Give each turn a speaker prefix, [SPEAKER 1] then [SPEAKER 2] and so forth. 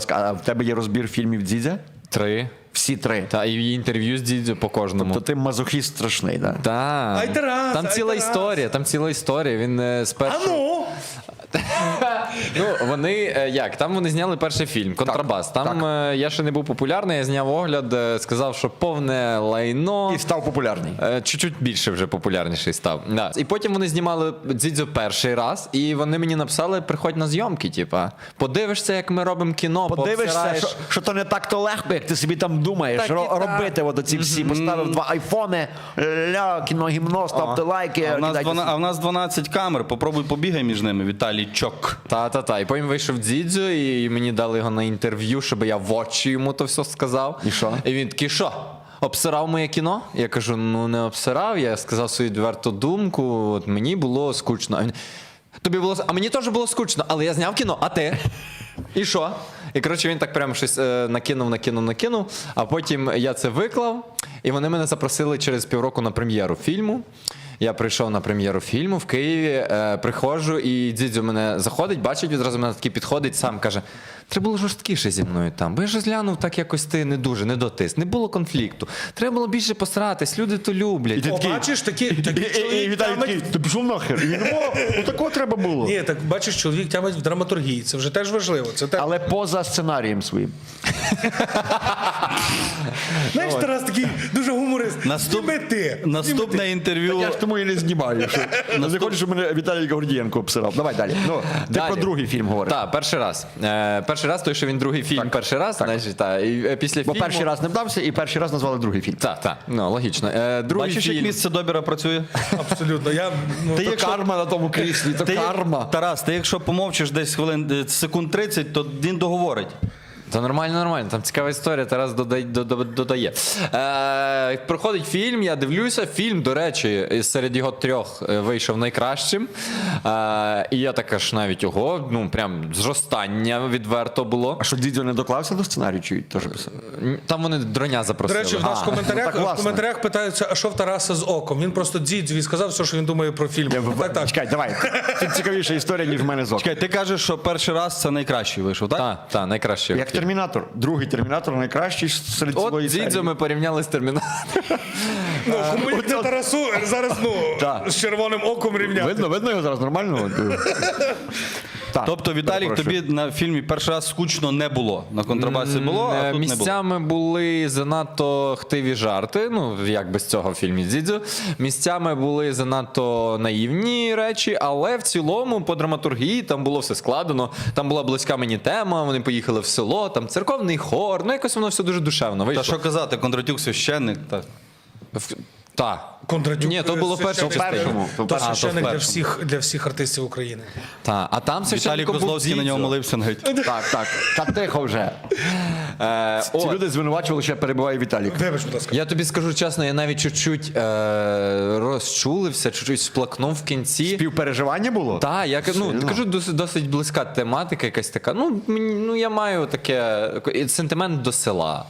[SPEAKER 1] ласка, а в тебе є розбір фільмів Дзідзя?
[SPEAKER 2] 3.
[SPEAKER 1] Всі 3.
[SPEAKER 2] Та, і інтерв'ю з Дідзю по кожному.
[SPEAKER 1] То ти мазохіст страшний, так? Да?
[SPEAKER 2] Так.
[SPEAKER 3] Ай, Тарас,
[SPEAKER 2] Там
[SPEAKER 3] ай,
[SPEAKER 2] ціла
[SPEAKER 3] Тарас.
[SPEAKER 2] історія, там ціла історія. Він спершу...
[SPEAKER 3] А ну!
[SPEAKER 2] Ну, вони, як, там вони зняли перший фільм «Контрабас». Там я ще не був популярний, я зняв огляд, сказав, що повне лайно.
[SPEAKER 1] І став популярний.
[SPEAKER 2] Чуть-чуть більше вже популярніший став. Да. І потім вони знімали Дзідзю перший раз, і вони мені написали, приходь на зйомки, типа, подивишся, як ми робимо кіно,
[SPEAKER 1] Подивишся,
[SPEAKER 2] пообсираєш».
[SPEAKER 1] що то не так-то легко, як ти собі там думаєш.
[SPEAKER 2] Так і так.
[SPEAKER 1] Робити от оці всі. Поставив 2 айфони, кіно гімно, ставте лайки.
[SPEAKER 4] А в нас 12 камер, попробуй побігай між ними, Віталій Чок.
[SPEAKER 2] Та. І потім вийшов Дзідзю, і мені дали його на інтерв'ю, щоб я в очі йому то все сказав.
[SPEAKER 1] І що?
[SPEAKER 2] І він такий, що? Обсирав моє кіно? Я кажу, ну не обсирав, я сказав свою відверту думку, от мені було скучно. А він, тобі було, а мені теж було скучно, але я зняв кіно, а ти? І що? І, коротше, він так прямо щось накинув, а потім я це виклав, і вони мене запросили через півроку на прем'єру фільму. Я прийшов на прем'єру фільму в Києві, приходжу, і Дзідзю мене заходить, бачить, відразу мене такий підходить, сам каже, треба було жорсткіше зі мною там, бо я ж глянув так якось ти не дуже, не дотис, не було конфлікту. Треба було більше постаратись, люди то люблять.
[SPEAKER 1] ти такий-
[SPEAKER 3] Бачиш, такий
[SPEAKER 1] І
[SPEAKER 3] чоловік
[SPEAKER 1] Віталій такий,
[SPEAKER 3] тямить...
[SPEAKER 1] ти пішов нахер. І він, ну такого треба було.
[SPEAKER 3] Ні, так бачиш, чоловік тямить в драматургії. Це вже теж важливо. Це те...
[SPEAKER 1] Але поза сценарієм своїм.
[SPEAKER 3] Знаєш, Тарас такий дуже гуморист. Зніми ти.
[SPEAKER 4] Наступне інтерв'ю.
[SPEAKER 1] Я ж тому і не знімаю. Не хочу, щоб мене Віталій Гордієнко обсирав. Давай далі. Ну, ти
[SPEAKER 2] Далі.
[SPEAKER 1] про другий фільм говориш.
[SPEAKER 2] Так, перший раз. Перший раз, той, що він другий фільм перший раз, значить, так. І після
[SPEAKER 1] Бо
[SPEAKER 2] фільму...
[SPEAKER 1] перший раз не вдався, і перший раз назвали другий фільм.
[SPEAKER 2] Так, ну, логічно. Другий
[SPEAKER 4] Бачиш, як
[SPEAKER 2] фільм...
[SPEAKER 4] місце Добіра працює?
[SPEAKER 3] Абсолютно. Я, ну,
[SPEAKER 1] То карма на тому кріслі, то карма.
[SPEAKER 4] Тарас, ти якщо помовчиш десь хвилин, секунд 30, то він договорить.
[SPEAKER 2] Та нормально, там цікава історія, Тарас додає. Проходить фільм, я дивлюся, фільм, до речі, серед його 3 вийшов найкращим. І я так аж навіть ого, ну прям зростання відверто було.
[SPEAKER 1] А що, Дідзьо не доклався до сценарію, чи теж писав?
[SPEAKER 2] Там вони дроня
[SPEAKER 3] до
[SPEAKER 2] запросили.
[SPEAKER 3] речі, в нас в
[SPEAKER 1] ну, так
[SPEAKER 3] коментарях, питаються, а що в Тараса з оком? Він просто Дзідзю сказав все, що він думає про фільм. Так.
[SPEAKER 1] Чекай, давай. Тут цікавіша історія, ніж в мене з оком.
[SPEAKER 4] Чекай, ти кажеш, що перший раз це найкращий вийшов, так?
[SPEAKER 2] Так, найкраще.
[SPEAKER 1] Як Термінатор. Другий Термінатор найкращий серед
[SPEAKER 2] От
[SPEAKER 1] цілої серії.
[SPEAKER 2] Дзідзю ми порівняли з Термінатором.
[SPEAKER 3] Ну, кому як не Тарасу, зараз,
[SPEAKER 1] Так.
[SPEAKER 3] з червоним оком рівняти.
[SPEAKER 1] Видно його зараз нормально? Так,
[SPEAKER 4] Тобто, Віталік,
[SPEAKER 1] перепрошую.
[SPEAKER 4] тобі на фільмі перший раз скучно не було. На контрабасі було, а тут не було.
[SPEAKER 2] Місцями були занадто хтиві жарти, ну, як без цього в фільмі Дзідзю. Місцями були занадто наївні речі, але в цілому по драматургії там було все складено. Там була близька мені тема, вони поїхали в село, там церковний хор, ну якось воно все дуже душевно вийшло.
[SPEAKER 4] Та що казати, Кондратюк священник. Та.
[SPEAKER 2] Так.
[SPEAKER 3] Кондратюк,
[SPEAKER 2] Ні, то було в першому
[SPEAKER 3] священник.
[SPEAKER 1] першому.
[SPEAKER 3] То
[SPEAKER 2] А, то в
[SPEAKER 3] священник
[SPEAKER 2] першому.
[SPEAKER 3] для всіх артистів України.
[SPEAKER 2] Так. А там
[SPEAKER 4] Віталій
[SPEAKER 2] священником був
[SPEAKER 4] Козловський на нього
[SPEAKER 2] Дзідзю.
[SPEAKER 4] молився навіть.
[SPEAKER 1] Так. Та тихо вже. Ці
[SPEAKER 2] От.
[SPEAKER 1] люди звинувачували, що я перебиваю Віталік.
[SPEAKER 3] Вибач, будь ласка.
[SPEAKER 2] Я тобі скажу чесно, я навіть чуть-чуть розчулився, чуть-чуть сплакнув в кінці.
[SPEAKER 1] Співпереживання було?
[SPEAKER 2] Так, я кажу, досить близька тематика, якась така. Ну, я маю таке сентимент до села.